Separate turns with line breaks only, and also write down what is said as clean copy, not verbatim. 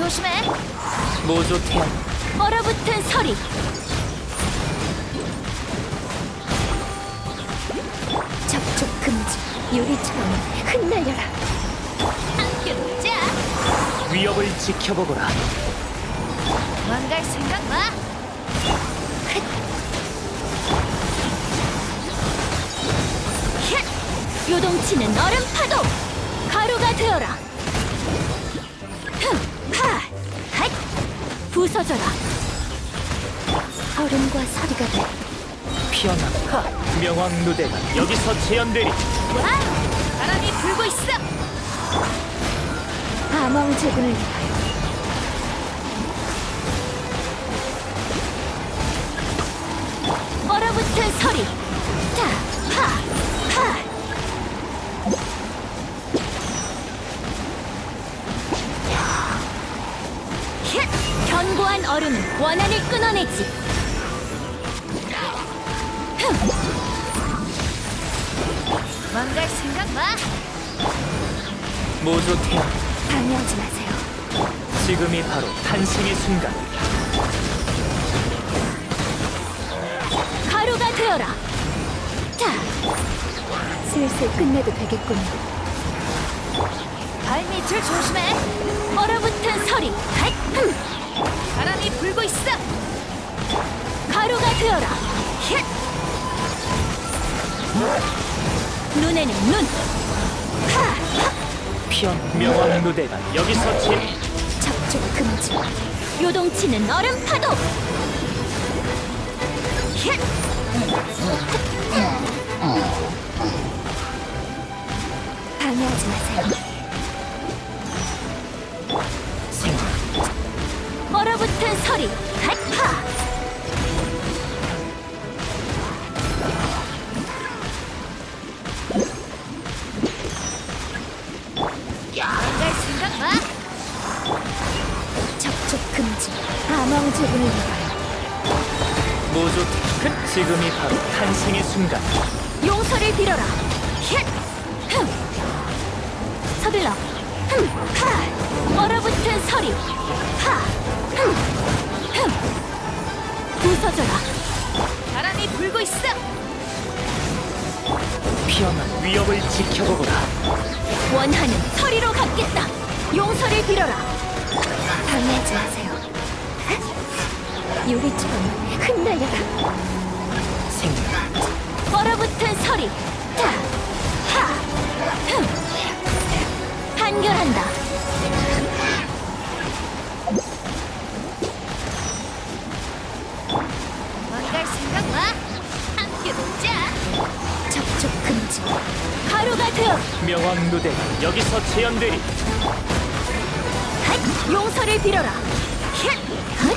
조심해.
모조 태양.
얼어붙은 서리. 접촉 금지. 유리처럼 흩날려라. 함께 놀자.
위협을 지켜보거라.
도망갈 생각 마. 요동치는 얼음 파도. 가루가 되어라. 부서져라. 얼음과 서리가 돼.
피어나. 명왕 누대가 여기서 재현되리.
와! 바람이 불고 있어. 암왕제군을 위하여. 얼어붙은 서리. 자, 하. 견고한 얼음은 원한을 끊어내지. 망갈 생각 마.
모조 태양.
방해하지 마세요.
지금이 바로 탄생의 순간.
가루가 되어라. 자, 슬슬 끝내도 되겠군요. 발밑을 조심해. 얼어붙은 서리. 바람이 불고 있어. 가루가 되어라. 눈에는 눈.
명왕 누대가 여기서
접촉 금지. 요동치는 얼음 파도. 방해하지 마세요. 얼어붙은 서리. 망갈 생각 마. 접촉 금지. 암왕제군을 위하여.
모조 태양. 지금이 바로 탄생의 순간.
용서를 빌어라. 서둘러. 얼어붙은 서리. 부서져라. 바람이 불고 있어.
피어난 위협을 지켜보거라.
원하는 서리로 갚겠다. 용서를 빌어라. 방해하지 마세요. 유리처럼 흩날려라. 얼어붙은 서리. 자, 판결한다. 망갈 생각 마. 함께 놀자. 접촉 금지. 가루가 되어.
명왕 누대가 여기서 재현되리.
용서를 빌어라.